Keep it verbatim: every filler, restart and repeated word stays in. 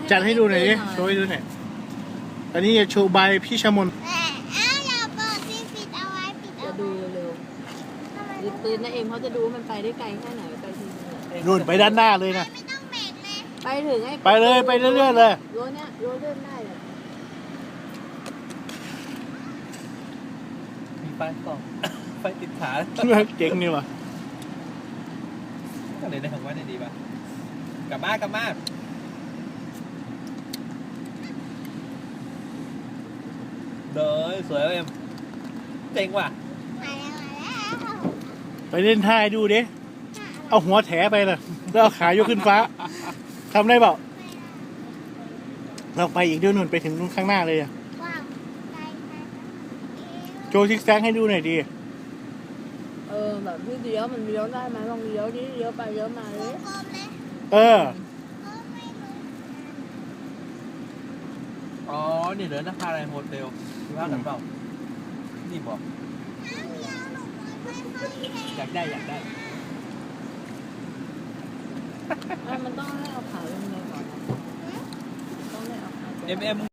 จัดให้ดูหน่อยดิโชว์ให้ดูหน่อยอันนี้จะโชว์ใบพี่ชมนจะดูเร็วๆยึดปืนนะเอ็มเขาจะดูว่ามันไปได้ไกลแค่ไหนไปถึงนู่นไปด้านหน้าเลยนะไปถึงไอ้ไปเลยไปเรื่อยๆเลยรั้วเนี้ยรั้วเลื่อนได้เลยมีไฟส่องไฟติดขาเจ๋งนี่วะก็เลยได้ของว่าได้ดีป่ะกลับมากลับมาเด้อสวยเอ็มเจ๋งว่ะไปเล่นท่าให้ดูดิเอาหัวแถไปเลยแล้วเอาขายกขึ้นฟ้าทำได้เปล่าเราไปอีกเดี๋ยวนู่นไปถึงนู่นข้างหน้าเลยอะโชว์ซิกแซกให้ดูหน่อยดิเออแบบที่เลี้ยวมันเลี้ยวได้ไหมลองเลี้ยวดิเลี้ยวไปเลี้ยวมาเลยเอออ๋อนี่เหลือนักพาอะไรโฮเทลคิดว่ากันเปล่านี่บอกอยากได้อยากได้อ่ะมันต้องให้เอาขาลงเลยก่อนนะต้องให้เอาขาเอ็มเอ็ม